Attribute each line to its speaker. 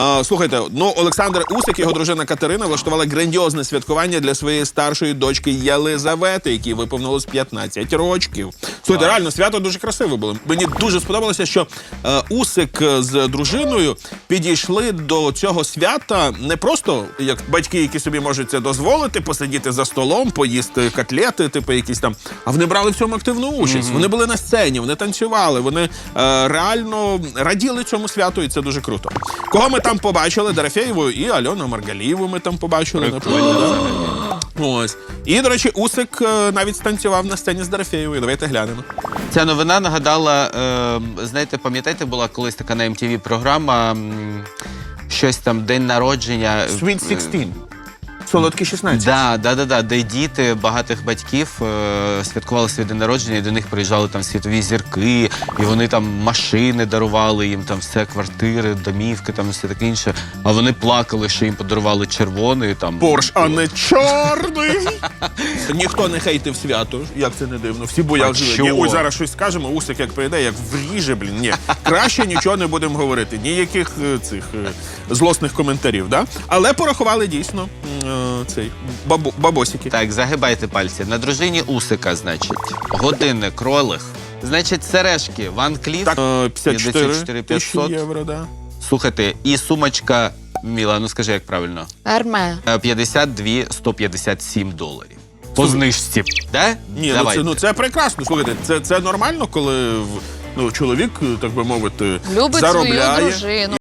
Speaker 1: Слухайте, ну, Олександр Усик і його дружина Катерина влаштували грандіозне святкування для своєї старшої дочки Єлизавети, якій виповнилось 15 років. Слухайте, реально, свято дуже красиве було. Мені дуже сподобалося, що Усик з дружиною підійшли до цього свята не просто як батьки, які собі можуть це дозволити, посидіти за столом, поїсти котлети, типу якісь там, а вони брали в цьому активну участь. Вони були на сцені, вони танцювали, вони реально раділи цьому святу, і це дуже круто. Кого ми там побачили? Дорофєєву і Альону Маргалієву ми там побачили. Напевно, да? Ось. І, до речі, Усик навіть станцював на сцені з Дорофєєвою. Давайте глянемо.
Speaker 2: Ця новина нагадала, знаєте, пам'ятаєте, була колись така на MTV програма, щось там, день народження.
Speaker 1: Sweet 16. Солодкі 16.
Speaker 2: Да, де діти багатих батьків святкували свій день народження, і до них приїжджали там світові зірки, і вони там машини дарували їм, там все, квартири, домівки, там все таке інше. А вони плакали, що їм подарували червоний там.
Speaker 1: Порш, а не чорний. Ніхто не хейтив свято, як це не дивно. Всі боялися. Ой, зараз щось скажемо, Усик як прийде, як вріже, блін. Ні, краще нічого не будемо говорити. Ніяких цих злосних коментарів, да? Але порахували дійсно цей бабосики.
Speaker 2: Так, загибайте пальці. На дружині Усика, значить, годинник Rolex, значить, сережки Ван Кліф,
Speaker 1: 54 тисячі євро, да.
Speaker 2: Слухайте, і сумочка, Міла, ну скажи, як правильно?
Speaker 3: Арме.
Speaker 2: 52 157 доларів. По знижці, да?
Speaker 1: Ні, ну це прекрасно. Слухайте, це нормально, коли чоловік, так би мовити,
Speaker 3: Любить
Speaker 1: заробляє.
Speaker 3: свою дружину.